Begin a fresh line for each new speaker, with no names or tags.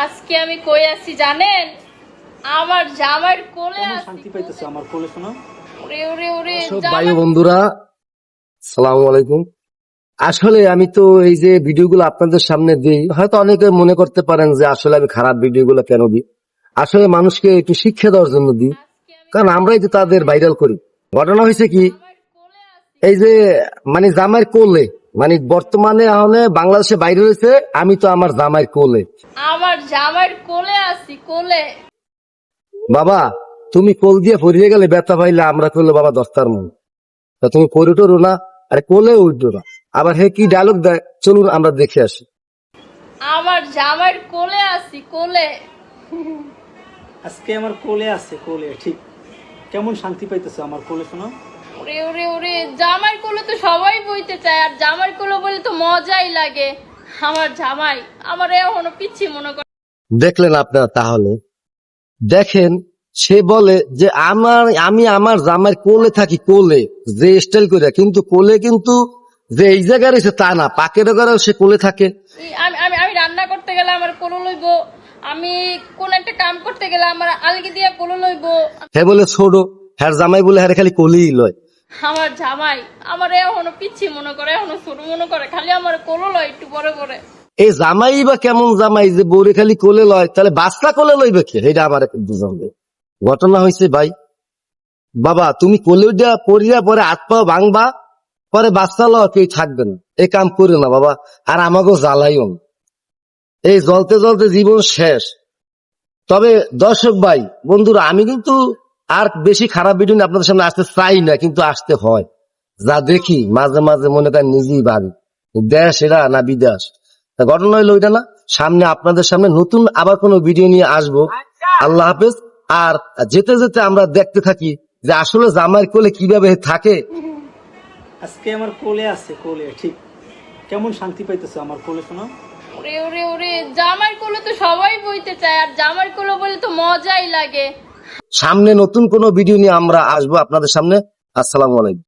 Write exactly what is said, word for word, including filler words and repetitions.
আজকে আমি কই আছি জানেন? আমার জামাইয়ের কোলে আছি।
শান্তি পাইতেছে আমার কোলে শোনো।
ওরে ওরে ওরে
সব
জামাই-
ভাই ও বন্ধুরা, সালাম আলাইকুম। আসলে আমি তো এই যে ভিডিওগুলো আপনাদের সামনে দিই, হয়তো অনেকে মনে করতে পারেন যে আসলে আমি খারাপ ভিডিওগুলো কেন দিই। আসলে মানুষকে একটু শিক্ষা দেওয়ার জন্য দিই, কারণ আমরাই তো তাদের ভাইরাল করি। ঘটনা হয়েছে কি,
জামাইয়ের কোলে আছি।
এই যে মানে জামাইয়ের কোলে, মানে বর্তমানে এখন বাংলাদেশে বাইরে রয়েছে, আমি তো আমার জামাইয়ের কোলে।
আমার জামাইয়ের কোলে আছি কোলে।
বাবা তুমি কোল দিয়ে পড়িয়ে গেলে ব্যথা পাইলে আমরা করলে বাবা দশটার মন, তা তুমি পড়ে টরো না, আরে কোলে উঠো না। আবার হে কি ডায়লগ দেয়, চলুন আমরা দেখে আসি।
আমার জামাইয়ের কোলে আছি কোলে।
আজকে আমার কোলে আছে কোলে, ঠিক কেমন শান্তি পাইতেছে আমার কোলে শোনো।
ওরে ওরে ওরে জামাইয়ের কোলে তো সবাই বইতে চায়, আর জামাইয়ের কোলে বলে তো মজাই লাগে। আমার জামাই আমার এখনো পিচ্ছি মনে করে।
দেখলেন আপনারা, তাহলে দেখেন সে বলে যে আমার আমি আমার জামাইয়ের কোলে থাকি, কোলে যে স্টাইল করে, কিন্তু কোলে কিন্তু যে এই জায়গায় রয়েছে তা না, পাকের ঘরেও সে কোলে থাকে।
এই আমি আমি আমি রান্না করতে গেলে আমার কোলে লইব, আমি কোন একটা কাম করতে গেলে আমার আলগি দিয়া কোলে লইব।
হে বলে ছোট, হ্যার জামাই বলে হ্যারে খালি কোলেই লয়।
আমার জামাই আমার এখনো পিচ্ছি মনে করে, এখনো ছোট মনে করে, খালি আমার কোলে লয় একটু পরে পরে।
এই জামাই বা কেমন জামাই যে বউরে খালি কোলে লয়, তাহলে বাচ্চা কোলে লইবে কে? এটা আমার বুঝাবে। ঘটনা হয়েছে ভাই, বাবা তুমি কোলে উঠা পড়িয়া পরে হাত পা ভাঙবা, পরে বাচ্চা লওয়া কেউ থাকবে না। এই কাম করে না বাবা, আর আমাকেও জ্বালাইও না। এই জ্বলতে জ্বলতে জীবন শেষ। তবে দর্শক ভাই বন্ধুরা, আমি কিন্তু আর বেশি খারাপ ভিডিও নিয়ে আপনাদের সামনে আসতে চাই না, কিন্তু আসতে হয়। যা দেখি মাঝে মাঝে মনে করেন নিজেই ভাবি, দেশ এরা না বিদেশ। তা ঘটনা হইলো ওইটা না, সামনে আপনাদের সামনে নতুন আবার কোনো ভিডিও নিয়ে আসবো। আল্লাহ হাফেজ। আর যেতে যেতে আমরা দেখতে থাকি যে আসলে জামাইয়ের কোলে কিভাবে থাকে।
আজকে আমার কোলে আছে কোলে, ঠিক কেমন শান্তি পাইতেছে আমার কোলে শোনো।
ওরে ওরে ওরে জামাইয়ের কোলে তো সবাই বইতে চায়, আর জামাইয়ের কোলে বলে তো মজাই লাগে।
সামনে নতুন কোনো ভিডিও নিয়ে আমরা আসবো আপনাদের সামনে। আসসালামু আলাইকুম।